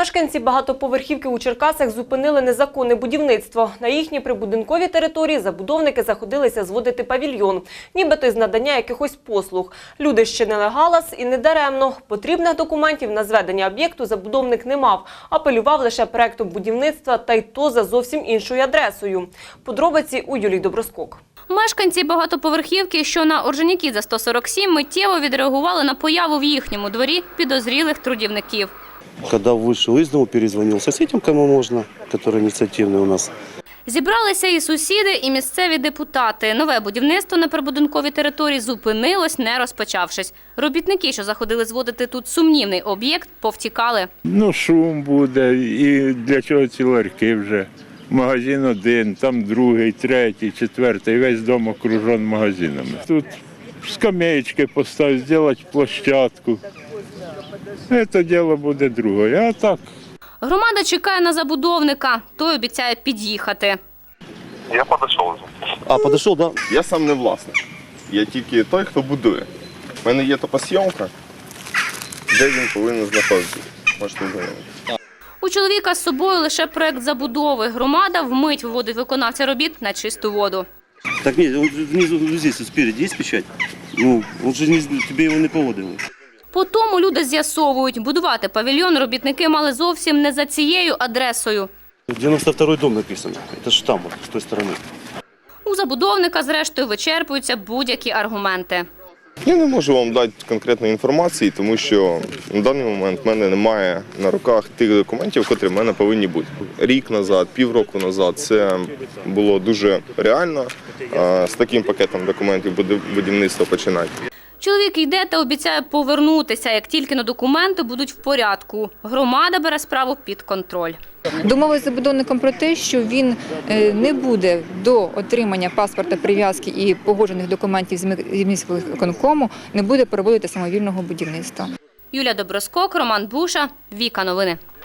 Мешканці багатоповерхівки у Черкасах зупинили незаконне будівництво. На їхній прибудинковій території забудовники заходилися зводити павільйон, нібито із надання якихось послуг. Люди щинили галас і не даремно. Потрібних документів на зведення об'єкту забудовник не мав, апелював лише проектом будівництва, та й то за зовсім іншою адресою. Подробиці у Юлії Доброскок. Мешканці багатоповерхівки, що на Орджонікідзе 147, миттєво відреагували на появу в їхньому дворі підозрілих трудівників. Когда вышел из дома, перезвонил соседям, кому можно, которые инициативные у нас. Зібралися і сусіди, і місцеві депутати. Нове будівництво на прибудинковій території зупинилось, не розпочавшись. Робітники, що заходили зводити тут сумнівний об'єкт, повтікали. Шум буде, і для чого ці ларьки вже. Магазин один, там другий, третій, четвертий, весь дом окружен магазинами. Тут скамеечки поставити, зробити площадку. Це діло буде друге, а так. Громада чекає на забудовника, той обіцяє під'їхати. Я підійшов. Подошел, да? Я сам не власник. Я тільки той, хто будує. У мене є топосйомка, де він повинен знаходитися. Можете знайомити. У чоловіка з собою лише проект забудови. Громада вмить виводить виконавця робіт на чисту воду. Так нет, он внизу, здесь, спереди есть печать? Он же тебе его не поводил. По тому люди з'ясовують, будувати павільйон робітники мали зовсім не за цією адресою. 92-й дом написано, это же там, вот, с той стороны. У забудовника, зрештою, вичерпуються будь-які аргументи. Я не можу вам дати конкретної інформації, тому що на даний момент в мене немає на руках тих документів, які в мене повинні бути. Рік назад, півроку назад це було дуже реально з таким пакетом документів будівництва починати. Чоловік йде та обіцяє повернутися, як тільки на документи будуть в порядку. Громада бере справу під контроль. Домовилися з забудовником про те, що він не буде до отримання паспорта прив'язки і погоджених документів з міськвиконкому, не буде проводити самовільного будівництва. Юлія Доброскок, Роман Буша, Віка Новини.